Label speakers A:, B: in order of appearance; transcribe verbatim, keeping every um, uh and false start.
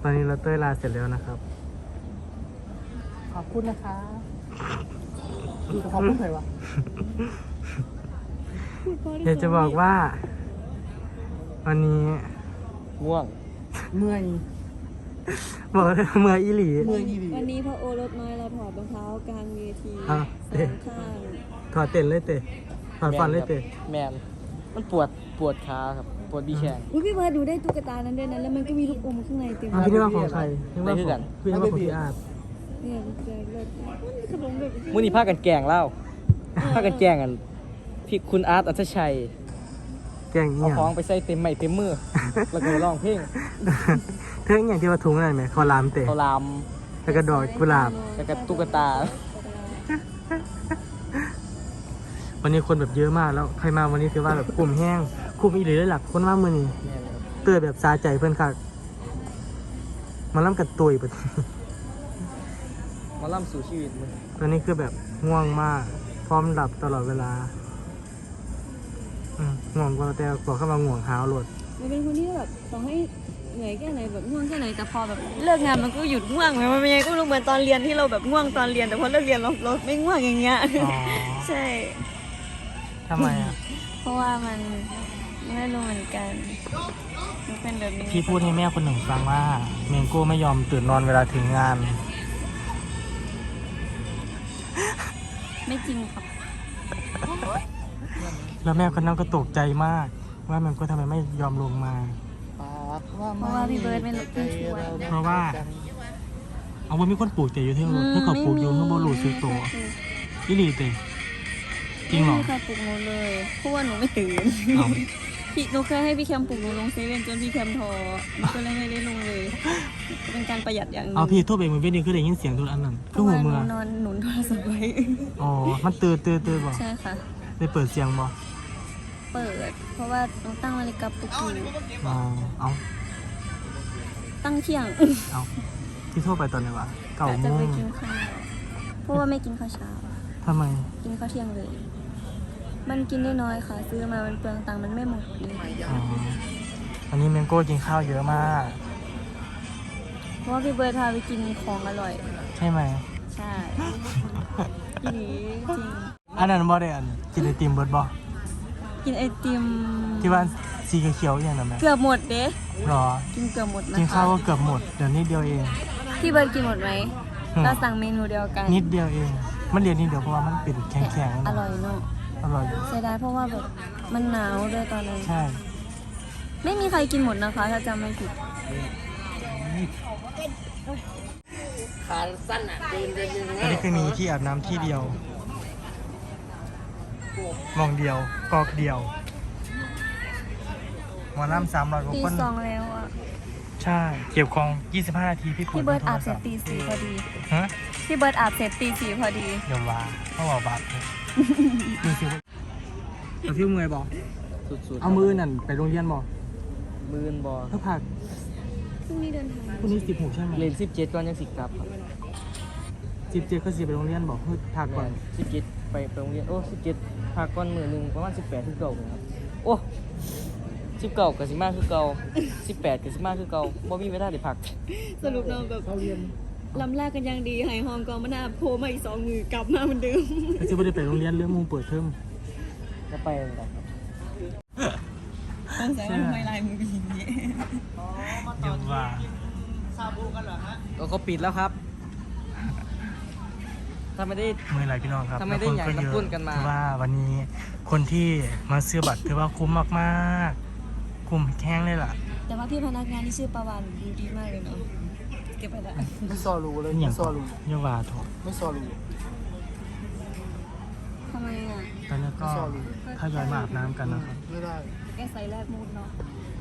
A: ตอนนี้เราเต้ยลาเสร็จแล้วนะครับ
B: ขอบคุณนะคะขอบคุณใครวะ
A: อยากจะบอกว่า วันนี้
C: ง่วง
B: เมื่อย
A: บอกเลยเมื่ออีหลี
B: เมื่อยอีหลี
D: วันนี้พระโอรสน้อยเราถอดรองเท้ากลางเวที
A: อ่ะ
D: สองข้าง
A: ถอดเต้นเลยเตะถอดฟันเลยเตะ
C: แมนมันปวดปวดขาครับปวดบีแขน
D: อุ้ยพี่เบิร์ดดูได้ตุ๊กตานั้นด้วยนะแล้วมันก็มีลูกอมข้างในเต็ม
A: อ่ะพี่นึกว่าของใครนึกว่า
C: ไม่คือ
A: ข
C: กั
A: อง
C: น
A: พี่นึกว่าของพี่อาร์ต
D: เนี่ยแจกเลยมันมีขนมแบบ
C: มื้อนี้พากันแกล้งเล่าพากันแกล้งกันพี่คุณอาร์ตอัศชัย
A: แกงเงี้
C: เอา
A: ย
C: ของไปใส่เต็มไม้เต็มมือแล้วก็ร้องเพลง
A: เธออย่างที่ว่าถุงอะไรไหมคอลามเตะ
C: เขาลาม
A: แล้วก็ดอกกุหลาบ
C: แล้วก็ตุ๊กตา
A: วันนี้คนแบบเยอะมากแล้วใครมาวันนี้ถือว่าแบบกลุ่มแห้งกลุ่มอีหลีเลยหลักคนว่ามือนี่
C: แม่นครับ
A: เตือแบบซาใจเพื่อนค่ะมาล่ำกัดตุยแบบ
C: หมาล่ำสู่ชีวิตมึง
A: ตอนนี้คือแบบง่วงมาก พร้อมหลับตลอดเวลาอืมง่วงก็แต่บอกเข้ามาง่วงหาวโหลด
D: มันเป็นคนที่แบบต่อให้เหนื่อยแค่ไหนแบบง่วงแค่ไหนแต่พอแบบเลิกงานมันก็หยุดง่วงเลยมันไม่ยังก็รู้เหมือนตอนเรียนที่เราแบบง่วงตอนเรียนแต่พอเลิกเรียนเราเราไม่ง่วงอย่างเงี้ย
A: อ๋อ
D: ใช่
A: ทำไมอ่ะ
D: เพราะว่ามันไม่รู้เหมือนกันมันเป็นแบบนี้
A: พี่พูดให้แม่คนหนึ่งฟังว่าเมงโก้ไม่ยอมตื่นนอนเวลาถึงงาน
D: ไม่จริงครับ
A: แล้วแม่คนนั้นก็ตกใจมาก ว่าเมงโก้ทำไมไม่ยอมลงมา
D: เพราะว่าพี่เบิร์ดไม่ไม่ชวน
A: เพราะว่า เอาว่ามีคนปลูกแต่อยู่ที่รถถ้าเขาปลูกอยู่ข้างบนหลุดซื้อตัวอีหลีเตะจริงเหรอ
D: ไม่มีใครปลุกหนูเลยเพราะว่าหนูไม่ตื่น
A: เอา
D: พี่หนูเคยให้พี่แคมปลุกหนูลงเซเว่นจนพี่แคมทอหนูก็เลยไม่ได้ลงเลยเป็นการประหยัดอย่างหนึง
A: เอาพี่โทษไปมือเว้นดีคือได้ยินเสียงทุกอันนั้น
D: เพ
A: คือ
D: ราะ
A: หั
D: ว่าว ห
A: เมื
D: นู
A: อน
D: อนหนุนโทรศัพท์ไว้
A: อ๋อ มันตื่นตื่นตื่นบ่
D: ใช่ค่ะ
A: ได้เปิดเสียงบ่
D: เปิด เพราะว่าหนูตั้งนาฬิกาปลุกอยู่
A: อ๋อ เอา
D: ตั้งเที่ยง
A: เอาที่โทษไปตอนไหนวะเก้า
D: อาจ
A: โม
D: จะไป
A: ง
D: กินข้าวเพราะว่าไม่กินข้าวเช้า
A: ทำไม
D: กินข้าวเที่ยงเลย มันกินได้น้อยค่ะ ซื้อมามันเปลืองตังค์มันไม่หมดเลย
A: อ๋อ อันนี้เมงโก้กินข้าวเยอะมาก
D: เพราะว่าพี่เบิร์ดพาไปกินของอร่อย
A: ใช่ไหม
D: ใช่ทีนี้จริง
A: อันนั้นบ่ได้อันกินไอติมเบิร์ดบ่
D: กินไอติม
A: ที่ว่าสีเขียวๆอย่างนั้นไหม
D: เกือบหมดเด้
A: หรอ
D: กินเกือบหมดนะ
A: กิน
D: คะ
A: ข้าวก็เกือบหมด เดี๋ยวนิดเดียวเอง
D: พี่เบิร์ดกินหมดไหม
A: อืม
D: เราสั่งเมนูเดียวกัน
A: นิดเดียวเอง มันเรียนนิดเดียวเพราะว่ามันเป็นแข็งๆ
D: อ
A: นะ
D: ร่อยเนาะ
A: อร่อย
D: เสียดายเพราะว่าแบบมันหนาวด้วยตอนนั้น
A: ใช่
D: ไม่มีใครกินหมดนะคะ ถ้าจำไม่ผิด
C: ขาสั้นอ่ะเดินเดินยังไง
A: อันนี้คือมีที่อาบน้ำที่เดียว มองเดียว กอกเดียวหมอลำสามร้อยกว่า
D: ตี
A: คน
D: สองแล้วอ่ะ
A: ใช่ เก็บของยี่สิบห้านาทีพี่ปวด
D: พี่เบิร์ดอาบ
A: โท
D: เสร็จ
A: ศัพท์
D: ตีสี่พอดี
A: ฮะ
D: พี่เบิร์ดอาบเสร็จตีสี่พอดี
A: เดี๋ยวว่าเขาบอกบัตรมีสิเอาพี่มือบอก
C: สุดๆ
A: เอามือนั่นไปโรงเรียนบอก
C: มือนบอ
A: ถ้าผัก
D: พรุ่งนี้เดินทาง
A: พรุ่งนี้สิบหกใช่ไหม
C: เลนสิบเจ็ดก่อนยังสิกลับครับ
A: สิบเจ็ดก็สิไปโรงเรียนบอกเฮ้ยผักก่อน
C: สิบเจ็ดไปไปโรงเรียนโอ้สิบเจ็ดพักก่อนมือหนึ่งประมาณสิบแปดคือเก่าเลยครับโอ้สิบเก่ากับสิบมาคือเก่าสิบแปดกับสิบมาคือเก่าบ่มีเวลาได้พัก
D: สรุปเราแบบลำแรกกันยังดีหายหอมกองมะนาวโผล่มาอีกสองมือกลับมาเหมือนเดิม
A: แล้วจะไม่ได้ไปโรงเรียนเรื่องมูเปิดเทอม
C: ก็ไปเลยครับ
D: ต้องใส่ว่าทำไมลายมือเป็นอย่างนี้
A: เดี๋ยวว่า
C: ก็เขาปิดแล้วครับ ถ้าไม่ได้
A: เมื่อไหรพี่น้องครับ
C: ทำไมได้
A: แล้วคนก็
C: อย่าง
A: เยอะ
C: น้ำปุ้นกันมา
A: ถือว่าวันนี้คนที่มาซื้อบัตรถือว่าคุ้มมากๆ คุ้มแข้งเลยล่ะ
D: แต่ว่าพี่พนักงานที่ชื่อประวันดูดีมากเลยเนาะเก็บไปละ
B: ไม่ซอรู้เลย
A: อ
B: ไม่
A: ย่าง
B: ซอรู้
A: เยาวาถูก
B: ไม่ซอรู้
D: ทำไมอ่ะ
A: ตอนนี้ก็ทยอยมาอาบน้ำกันนะครับ
B: ไม่ได้
D: แกใส่แรกมูดเนาะ